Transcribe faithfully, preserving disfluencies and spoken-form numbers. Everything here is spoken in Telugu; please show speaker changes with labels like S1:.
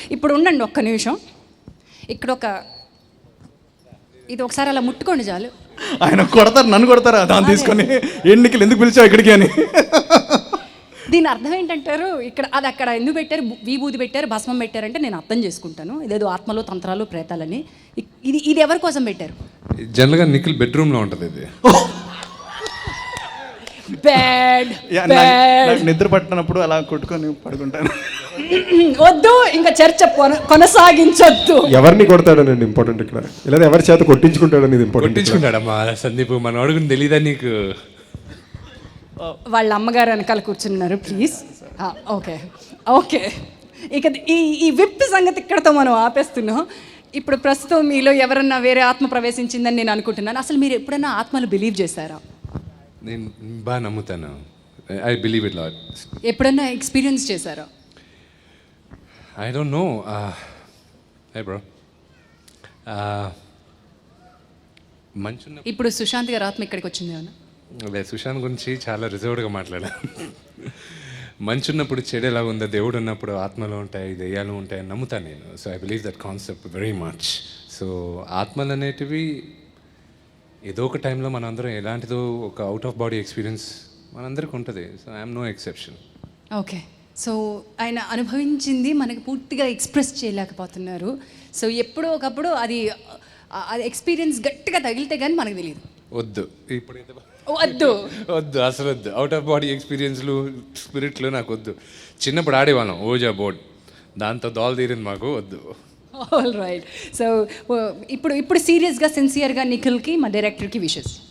S1: ఇప్పుడు ఉండండి ఒక్క నిమిషం. ఇక్కడ ఒక ఇది ఒకసారి అలా ముట్టుకోండి చాలు.
S2: ఆయన కొడతారు, నన్ను కొడతారా దాన్ని తీసుకొని, ఎన్నికలు ఎందుకు పిలిచావు ఇక్కడికి అని.
S1: దీని అర్థం ఏంటంటారు? ఇక్కడ అది అక్కడ ఎందుకు పెట్టారు, విభూది పెట్టారు, భస్మం పెట్టారంటే నేను అర్థం చేసుకుంటాను, ఇదేదో ఆత్మలు తంత్రాలు ప్రేతాలని. ఇది ఇది ఎవరి కోసం పెట్టారు?
S3: జనరల్గా నిఖిల్ బెడ్రూమ్లో ఉంటుంది ఇది.
S1: బ్యాడ్
S2: నిద్ర పట్టినప్పుడు అలా కొట్టుకొని పడుకుంటాను.
S1: వద్దు, ఇంకా చర్చ కొనసాగించొద్దు.
S4: ఎవరిని కొడతాడనండి ఇంపార్టెంట్ ఇక్కడ, లేదా ఎవరి చేత కొట్టించుకుంటాడని ఇంపార్టెంట్.
S3: కొట్టించుకుంటాడమ్మా సందీప్, మన అడుగుని తెలీదా నీకు?
S1: వాళ్ళ అమ్మగారు వెనకాల కూర్చున్నారు ప్లీజ్. ఓకే ఓకే, ఇక ఈ ఈ విప్ సంగతి ఇక్కడతో మనం ఆపేస్తున్నాం. ఇప్పుడు ప్రస్తుతం మీలో ఎవరన్నా వేరే ఆత్మ ప్రవేశించిందని నేను అనుకుంటున్నాను. అసలు మీరు ఎప్పుడైనా ఆత్మలు బిలీవ్ చేశారా?
S3: నేను బాగా నమ్ముతాను. I believe it lot.
S1: ఎప్పుడన్నా ఎక్స్పీరియన్స్ చేశారా?
S3: I don't know. Hey bro, మంచున్న
S1: ఇప్పుడు సుశాంత్ గారు ఆత్మ ఇక్కడికి వచ్చింది ఏమన్నా?
S3: అదే సుశాంత్ గురించి చాలా రిజర్వ్డ్గా మాట్లాడాను. మంచున్నప్పుడు చెడు ఎలా ఉందో, దేవుడు ఉన్నప్పుడు ఆత్మలు ఉంటాయి, దెయ్యాలు ఉంటాయి అని నమ్ముతాను నేను. So I believe that concept very much. So ఆత్మలు అనేటివి ఏదో ఒక టైంలో మనందరం ఎలాంటిదో ఒక అవుట్ ఆఫ్ బాడీ ఎక్స్పీరియన్స్ మనందరికి ఉంటుంది. So I'm no exception.
S1: Okay, so ఆయన అనుభవించింది మనకి పూర్తిగా ఎక్స్ప్రెస్ చేయలేకపోతున్నారు. సో ఎప్పుడో ఒకప్పుడు అది అది ఎక్స్పీరియన్స్ గట్టిగా తగిలితే కానీ మనకు తెలియదు.
S3: వద్దు ఇప్పుడు
S1: వద్దు
S3: వద్దు అసలు వద్దు. అవుట్ ఆఫ్ బాడీ ఎక్స్పీరియన్స్లు స్పిరిట్లు నాకు వద్దు. చిన్నప్పుడు ఆడేవాళ్ళం ఓజా బోర్డ్, దాంతో దోల తీరింది మాకు, వద్దు.
S1: All right. సో ఇప్పుడు ఇప్పుడు సీరియస్గా సిన్సియర్గా నిఖిల్కి మా డైరెక్టర్కి విషెస్.